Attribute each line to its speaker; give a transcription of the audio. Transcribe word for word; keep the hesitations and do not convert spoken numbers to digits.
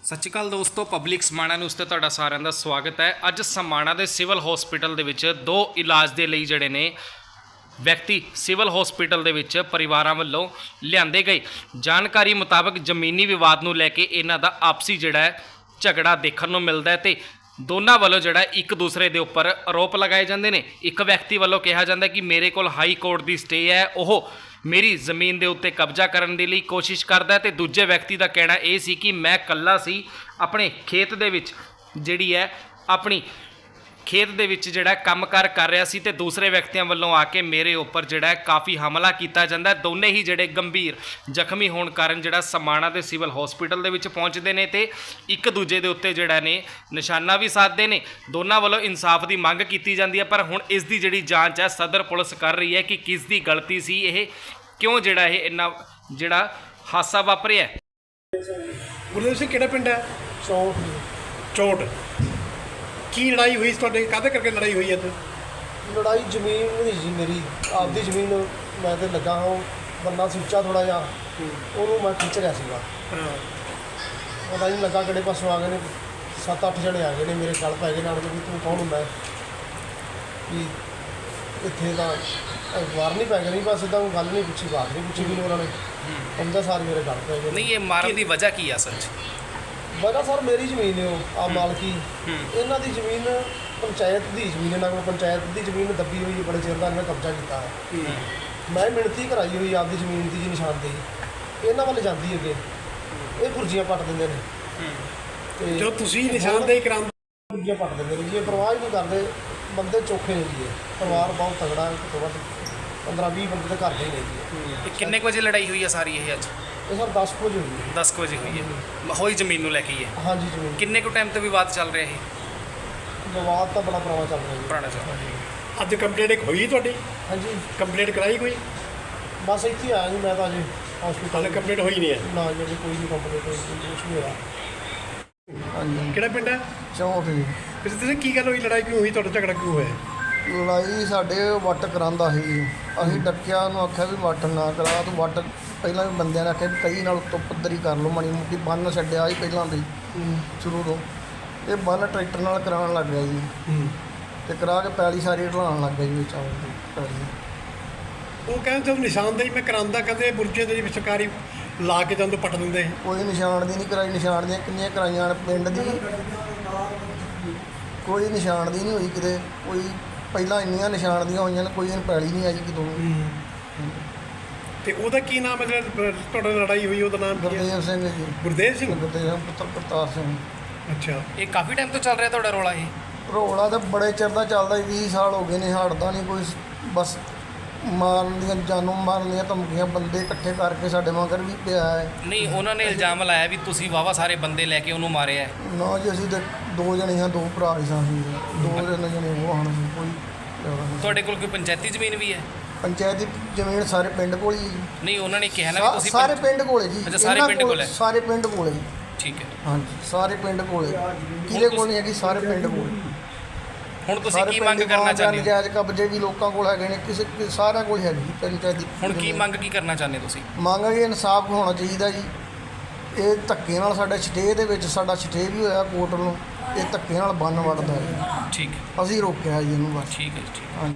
Speaker 1: सत श्री अकाल दोस्तों, पब्लिक समाणा न्यूज़ ते तुहाडा सारिਆਂ ਦਾ स्वागत है। अज समाणा के सिविल हॉस्पिटल दे विच दो इलाज के लिए जड़े ने व्यक्ति सिविल हॉस्पिटल दे विच परिवारां वल्लों लिआंदे गए जानकारी मुताबक जमीनी विवाद नूं लैके इन्हां दा आपसी जिहड़ा है झगड़ा देखण नूं मिलदा है ते दोनों वालों जड़ा एक दूसरे के उपर आरोप लगाए जाते हैं। एक व्यक्ति वालों कहा जाता है कि मेरे को हाई कोर्ट की स्टे है, वह मेरी ज़मीन के उत्ते कब्जा करने के लिए कोशिश करता है। तो दूजे व्यक्ति का कहना यह सी कि मैं कल्ला सी अपने खेत दे विच जिहड़ी है अपनी खेत दे विच जिहड़ा काम कार कर रहा सी ते दूसरे व्यक्तियों वालों आके मेरे उपर जिहड़ा काफ़ी हमला किया जाता है। दोने ही जिहड़े गंभीर जख्मी होने कारण जिहड़ा समाणा के सिविल हॉस्पिटल दे विच पहुंचते हैं तो एक दूजे के उत्ते जिहड़ा ने निशाना भी साधते हैं। दोनों वालों इंसाफ की मंग की जाती है, पर हुण इस दी जिहड़ी जांच है सदर पुलिस कर रही है कि किस दी गलती सी, ये क्यों जिहड़ा ये इन्ना जिहड़ा हादसा वापरिया।
Speaker 2: गुरदेव सिंह किहड़ा पिंड है?
Speaker 3: चौट
Speaker 2: चोट की लड़ाई हुई तुहाडे काहदे करके लड़ाई हुई है?
Speaker 3: लड़ाई जमीन नहीं जी, मेरी आपकी जमीन मैं तो लगा हाँ बंदा सुच्चा थोड़ा जहा ਉਹਨੂੰ मैं खिंच रहा सीगा। पता नहीं लगा किहड़े पासों आ गए ने, सत्त अठ जने आ गए ने मेरे गल पै गए नाल भी तू कौन हुंदा कि इत्थे तां वार नहीं पै गए, नहीं बस इदां गल नहीं पुछी, बात नहीं पुछी भी उन्होंने उनका सारे मेरे गल पै गए।
Speaker 1: नहीं, ये मारन की वजह की है सच?
Speaker 3: वजह सर मेरी जमीन है आ मालकी, इन्हों की जमीन पंचायत की जमीन है, ना पंचायत की जमीन दबी हुई बड़े चिर का इन्हें कब्जा किया है। मैं मिणती कराई हुई आपकी जमीन की जी निशानदेही इन्हों वाल जाती अगे, ये फुर्जियाँ पट देंगे ने
Speaker 2: जो तुसीं निशानदेही करा
Speaker 3: फुर्जियाँ पट देंगे ने जी, ये परवाह ही नहीं करते, बंदे चोखे ने जी, परिवार बहुत तगड़ा है, घट्टो घट्ट पंद्रह भी बंदे तो घर के ही ने जी।
Speaker 1: किन्ने बजे लड़ाई हुई है सारी ये अज?
Speaker 3: ये सर दस बजे हुई है।
Speaker 1: दस बजे हुई है, होई जमीन नूं लैके ही है?
Speaker 3: हाँ जी जमीन।
Speaker 1: किन्ने को टाइम तो विवाद चल रहा है?
Speaker 3: विवाद तो बड़ा पुराना चल रहा है।
Speaker 1: पुराना चल रहा है।
Speaker 2: अज कंप्लेंट एक हुई तुहाडी?
Speaker 3: हाँ जी
Speaker 2: कंप्लेंट कराई कोई?
Speaker 3: बस इतने आया जी, मैं तो अजे हॉस्पिटल
Speaker 2: हाले कंप्लेंट हुई नहीं है?
Speaker 3: ना जी कोई नहीं कंप्लेंट हुई, कुछ नहीं होया। हाँ जी
Speaker 2: किहड़ा पिंड है?
Speaker 3: चौंठ जी।
Speaker 2: गुरदेव सिंह की गल हुई, लड़ाई क्यों हुई, तुहाडा झगड़ा क्यों होया?
Speaker 3: लड़ाई साढ़े वट करांदा ਸੀ, ਅਸੀਂ ਡੱਕਿਆ ਉਹਨੂੰ ਆਖਿਆ ਵੀ ਵੱਟ ਨਾ ਕਰਾ ਤੂੰ ਵੱਟ ਪਹਿਲਾਂ ਵੀ ਬੰਦਿਆਂ ਨੇ ਆਖਿਆ ਵੀ ਕਈ ਨਾਲ ਉੱਤੋਂ ਪੱਧਰੀ ਕਰ ਲਓ, ਮਾੜੀ ਮੋਟੀ ਬੰਨ ਛੱਡਿਆ ਸੀ ਪਹਿਲਾਂ ਵੀ ਸ਼ੁਰੂ ਤੋਂ, ਇਹ ਬੰਨ ਟਰੈਕਟਰ ਨਾਲ ਕਰਾਉਣ ਲੱਗ ਗਿਆ ਜੀ ਤੇ ਕਰਾ ਕੇ ਪੈਲੀ ਸਾਰੀ ਢਲਾਉਣ ਲੱਗ ਗਿਆ ਜੀ ਵਿੱਚ ਆਉਂਦੀ ਪੈਲੀ।
Speaker 2: ਉਹ ਕਹਿੰਦੇ ਜਦ ਨਿਸ਼ਾਨਦੇਹੀ ਮੈਂ ਕਰਾਂਦਾ ਕਹਿੰਦੇ ਬੁਰਜੇ ਦੇ ਵਿੱਚ ਸਰਕਾਰੀ ਲਾ ਕੇ ਜਦੋਂ ਪੱਟ ਦਿੰਦੇ।
Speaker 3: ਕੋਈ ਨਿਸ਼ਾਨ ਦੀ ਨਹੀਂ ਕਰਾਈ, ਨਿਸ਼ਾਨ ਦੀਆਂ ਕਿੰਨੀਆਂ ਕਰਾਈਆਂ ਨੇ ਪਿੰਡ ਦੀ, ਕੋਈ ਨਿਸ਼ਾਨ ਦੀ ਨਹੀਂ ਹੋਈ ਕਿਤੇ, ਕੋਈ ਪਹਿਲਾਂ ਇੰਨੀਆਂ ਨਿਸ਼ਾਨ ਦੀਆਂ ਹੋਈਆਂ ਨੇ, ਕੋਈ ਇਹਨੂੰ ਪੈਲੀ ਨਹੀਂ ਆਈ ਕਿਤੋਂ।
Speaker 2: ਤੇ ਉਹਦਾ ਕੀ ਨਾਮ ਹੈ ਜਿਹੜਾ ਤੁਹਾਡੇ ਨਾਲ ਲੜਾਈ ਹੋਈ, ਉਹਦਾ ਨਾਮ ਕੀ ਹੈ?
Speaker 3: ਗੁਰਦੇਵ ਸਿੰਘ ਜੀ।
Speaker 2: ਗੁਰਦੇਵ ਸਿੰਘ?
Speaker 3: ਗੁਰਦੇਵ ਸਿੰਘ ਪੁੱਤਰ ਪ੍ਰਤਾਪ ਸਿੰਘ।
Speaker 2: ਅੱਛਾ,
Speaker 1: ਇਹ ਕਾਫੀ ਟਾਈਮ ਤੋਂ ਚੱਲ ਰਿਹਾ ਤੁਹਾਡਾ ਰੌਲਾ ਇਹ?
Speaker 3: ਰੌਲਾ ਤਾਂ ਬੜੇ ਚਿਰ ਦਾ ਚੱਲਦਾ, ਵੀਹ ਸਾਲ ਹੋ ਗਏ ਨੇ, ਹਟਦਾ ਨਹੀਂ ਕੋਈ, ਬਸ ਮਾਰਨ ਦੀਆਂ ਜਾਨੋਂ ਮਾਰਨ ਦੀਆਂ ਧਮਕੀਆਂ ਬੰਦੇ ਇਕੱਠੇ ਕਰਕੇ ਸਾਡੇ ਮਗਰ ਵੀ ਪਿਆ ਹੈ।
Speaker 1: ਨਹੀਂ, ਉਹਨਾਂ ਨੇ ਇਲਜ਼ਾਮ ਲਾਇਆ ਵੀ ਤੁਸੀਂ ਵਾਵਾ ਸਾਰੇ ਬੰਦੇ ਲੈ ਕੇ ਉਹਨੂੰ ਮਾਰਿਆ ਹੈ।
Speaker 3: ਨਾ ਜੀ ਅਸੀਂ ਤਾਂ ਦੋ ਜਣੇ ਹਾਂ, ਦੋ ਭਰਾ ਹੀ ਸਾਂ ਅਸੀਂ, ਦੋ ਜਣੇ ਜਣੇ ਉਹ ਹਨ, ਕੋਈ ਜ਼ਿਆਦਾ ਨਹੀਂ।
Speaker 1: ਤੁਹਾਡੇ ਕੋਲ ਕੋਈ ਪੰਚਾਇਤੀ ਜ਼ਮੀਨ ਵੀ ਹੈ?
Speaker 3: ਪੰਚਾਇਤੀ ਜ਼ਮੀਨ ਸਾਰੇ ਪਿੰਡ ਕੋਲ ਹੀ ਜੀ।
Speaker 1: ਨਹੀਂ, ਉਹਨਾਂ ਨੇ ਕਿਹਾ ਨਾ ਵੀ ਤੁਸੀਂ
Speaker 3: ਸਾਰੇ ਪਿੰਡ ਕੋਲ ਹੈ ਜੀ।
Speaker 1: ਅੱਛਾ, ਸਾਰੇ
Speaker 3: ਇਹਨਾਂ
Speaker 1: ਪਿੰਡ ਕੋਲ ਹੈ?
Speaker 3: ਸਾਰੇ ਪਿੰਡ ਕੋਲ ਹੈ ਜੀ।
Speaker 1: ਠੀਕ ਹੈ।
Speaker 3: ਹਾਂਜੀ ਸਾਰੇ ਪਿੰਡ ਕੋਲ ਹੈ, ਕਿਹਦੇ ਕੋਲ ਨਹੀਂ ਹੈਗੀ, ਸਾਰੇ ਪਿੰਡ ਕੋਲ।
Speaker 1: ਹੁਣ ਤੁਸੀਂ ਕੀ ਮੰਗ ਕਰਨਾ ਚਾਹੁੰਦੇ ਹੋ?
Speaker 3: ਨਜਾਇਜ਼ ਕਬਜ਼ੇ ਵੀ ਲੋਕਾਂ ਕੋਲ ਹੈਗੇ ਨੇ, ਕਿਸੇ ਸਾਰਿਆਂ ਕੋਲ ਹੈਗੀ ਪੰਚਾਇਤੀ।
Speaker 1: ਹੁਣ ਕੀ ਮੰਗ ਕੀ ਕਰਨਾ ਚਾਹੁੰਦੇ ਤੁਸੀਂ?
Speaker 3: ਮੰਗ ਹੈ ਇਨਸਾਫ ਹੋਣਾ ਚਾਹੀਦਾ ਜੀ। ਇਹ ਧੱਕੇ ਨਾਲ ਸਾਡੇ ਸਟੇ ਦੇ ਵਿੱਚ ਸਾਡਾ ਸਟੇ ਵੀ ਹੋਇਆ ਕੋਰਟ ਨੂੰ, ਇਹ ਧੱਕੇ ਨਾਲ ਬੰਨ ਵੱਢਦਾ ਹੈ।
Speaker 1: ਠੀਕ ਹੈ,
Speaker 3: ਅਸੀਂ ਰੋਕਿਆ ਜੀ ਇਹਨੂੰ ਬਸ।
Speaker 1: ਠੀਕ ਹੈ ਜੀ, ਠੀਕ।
Speaker 3: ਹਾਂਜੀ।